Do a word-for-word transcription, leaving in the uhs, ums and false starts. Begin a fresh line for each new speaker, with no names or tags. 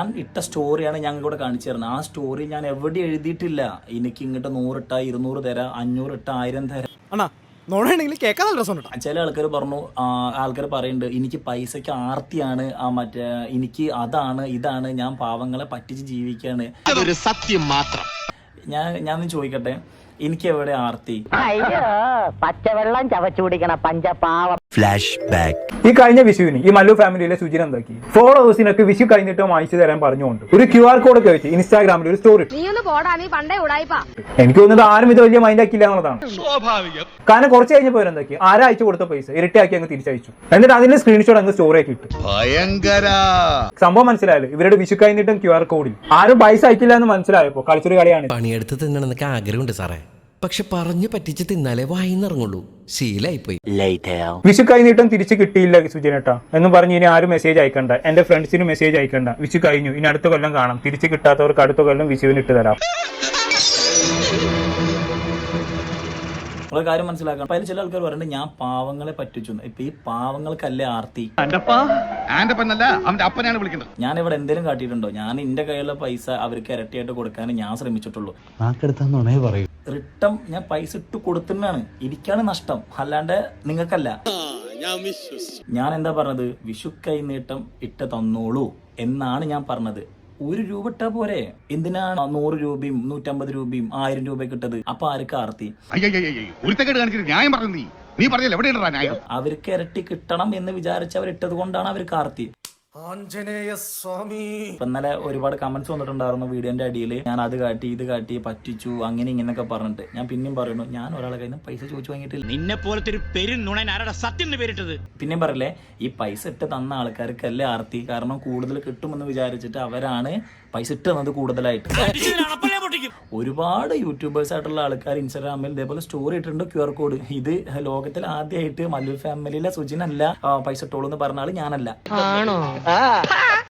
ഞാൻ ഇട്ട സ്റ്റോറിയാണ് ഞങ്ങൾ ഇവിടെ കാണിച്ചു തരുന്നത്. ആ സ്റ്റോറി ഞാൻ എവിടെ എഴുതിയിട്ടില്ല എനിക്ക് ഇങ്ങോട്ട് നൂറിട്ട ഇരുന്നൂറ് തരാം, അഞ്ഞൂറ് ഇട്ട ആയിരം തരാം. ചില ആൾക്കാർ പറഞ്ഞു, ആൾക്കാർ പറയുന്നുണ്ട് എനിക്ക് പൈസക്ക് ആർത്തിയാണ്, ആ മറ്റേ എനിക്ക് അതാണ് ഇതാണ്, ഞാൻ പാവങ്ങളെ പറ്റിച്ച് ജീവിക്കാണ്.
അതൊരു സത്യം മാത്രം.
ഞാൻ ഞാൻ ചോദിക്കട്ടെ, എനിക്ക് എവിടെ ആർത്തി?
പച്ചവെള്ളം ചവച്ചു കുടിക്കണ പഞ്ചപാവം.
Flash back.
ഈ കഴിഞ്ഞ വിഷുവിന് ഈ മല്ലു ഫാമിലിയിലെ സുജിൻ എന്താക്കി, ഫോളോവേഴ്സിനൊക്കെ വിഷു കഴിഞ്ഞിട്ട് വാങ്ങിച്ചു തരാൻ പറഞ്ഞുകൊണ്ട് ഒരു ക്യു ആർ കോഡ് ഒക്കെ വെച്ച് ഇൻസ്റ്റാഗ്രാമിൽ ഒരു സ്റ്റോറി. എനിക്ക് തോന്നുന്നത് ആരും ഇത് വലിയ മൈൻഡ് ആക്കിയില്ല എന്നുള്ളതാണ്. കാരണം കുറച്ച് കഴിഞ്ഞപ്പോൾ എന്താക്കി, ആരാഴ്ച കൊടുത്ത പൈസ ഇരട്ടിയാക്കി അങ്ങ് തിരിച്ചയച്ചു. എന്നിട്ട് അതിന്റെ സ്ക്രീൻഷോട്ട് അങ്ങ് സ്റ്റോറി ആക്കി ഇട്ടു. സംഭവം മനസ്സിലായല്ലോ, ഇവരുടെ വിഷു കഴിഞ്ഞിട്ടും ക്യു ആർ കോഡിൽ ആരും പൈസ അയക്കില്ല എന്ന് മനസ്സിലായപ്പോ കളിച്ചൊരു കളിയാണ്.
പണിയെടുത്ത് തിന്നണമെന്നൊക്കെ ആഗ്രഹമുണ്ട് സാറേ, പക്ഷെ പറഞ്ഞു പറ്റിച്ച് തിന്നാലേ വായിന്നിറങ്ങുള്ളൂ. ശീലായിപ്പോയി.
വിഷു കഴിഞ്ഞിട്ടും തിരിച്ചു കിട്ടിയില്ല സുജിനേട്ടാ എന്ന് പറഞ്ഞ് ഇനി ആരും മെസ്സേജ് അയക്കണ്ട, എന്റെ ഫ്രണ്ട്സിന് മെസ്സേജ് അയക്കണ്ട, വിഷു കഴിഞ്ഞു, ഇനി അടുത്ത കൊല്ലം കാണാം, തിരിച്ചു കിട്ടാത്തവർക്ക് അടുത്ത കൊല്ലം വിഷുവിന് ഇട്ട് തരാം.
ഒരു കാര്യം മനസ്സിലാക്കണം. അപ്പൊ അതിൽ ചില ആൾക്കാർ പറയുന്നത് ഞാൻ പാവങ്ങളെ പറ്റിച്ചു. ഇപ്പൊ ഈ പാവങ്ങൾക്കല്ലേ ആർത്തി? ഞാൻ ഇവിടെ എന്തെങ്കിലും കാട്ടിയിട്ടുണ്ടോ? ഞാൻ എന്റെ കയ്യിലുള്ള പൈസ അവർക്ക് ഇരട്ടിയായിട്ട് കൊടുക്കാൻ ഞാൻ ശ്രമിച്ചിട്ടുള്ളൂ. റിട്ടം ഞാൻ പൈസ ഇട്ട് കൊടുത്തിട്ടാണ്, എനിക്കാണ് നഷ്ടം, അല്ലാണ്ട് നിങ്ങൾക്കല്ല. ഞാൻ എന്താ പറഞ്ഞത്, വിഷു കൈനീട്ടം ഇട്ട് തന്നോളൂ എന്നാണ് ഞാൻ പറഞ്ഞത്. ഒരു രൂപ ഇട്ടാ പോരെ, എന്തിനാണ് നൂറ് രൂപയും നൂറ്റമ്പത് രൂപയും ആയിരം രൂപയൊക്കെ ഇട്ടത്? അപ്പൊ ആർക്ക് ആർത്തി? അവർക്ക് ഇരട്ടി കിട്ടണം എന്ന് വിചാരിച്ച് അവർ ഇട്ടത് കൊണ്ടാണ് അവർക്ക് ആർത്തി. ഇന്നലെ ഒരുപാട് കമന്റ്സ് വന്നിട്ടുണ്ടായിരുന്നു വീഡിയോന്റെ അടിയിൽ, ഞാൻ അത് കാട്ടി ഇത് കാട്ടി പറ്റിച്ചു അങ്ങനെ ഇങ്ങനെയൊക്കെ പറഞ്ഞിട്ട്. ഞാൻ പിന്നെയും പറയുന്നു, ഞാൻ ഒരാളെ കയ്യിൽ നിന്ന് പൈസ ചോദിച്ചു വാങ്ങിയിട്ടില്ല.
നിന്നെ പോലത്തെ ഒരു പെരുന്നുണനാരുടെ സത്യം പേരിട്ടത്.
പിന്നെയും പറയല്ലേ, ഈ പൈസ ഇട്ട് തന്ന ആൾക്കാർക്കല്ലേ ആർത്തി. കാരണം കൂടുതൽ കിട്ടുമെന്ന് വിചാരിച്ചിട്ട് അവരാണ് പൈസ ഇട്ട് തന്നത് കൂടുതലായിട്ട്. ഒരുപാട് യൂട്യൂബേഴ്സ് ആയിട്ടുള്ള ആൾക്കാർ ഇൻസ്റ്റാഗ്രാമിൽ ഇതേപോലെ സ്റ്റോറി ഇട്ടിട്ടുണ്ട് ക്യു ആർ കോഡ്. ഇത് ലോകത്തിൽ ആദ്യമായിട്ട് മല്ലു ഫാമിലിയിലെ സുജിനല്ല പൈസ ഇട്ടോളൂ എന്ന് പറഞ്ഞ ആള് ഞാനല്ല.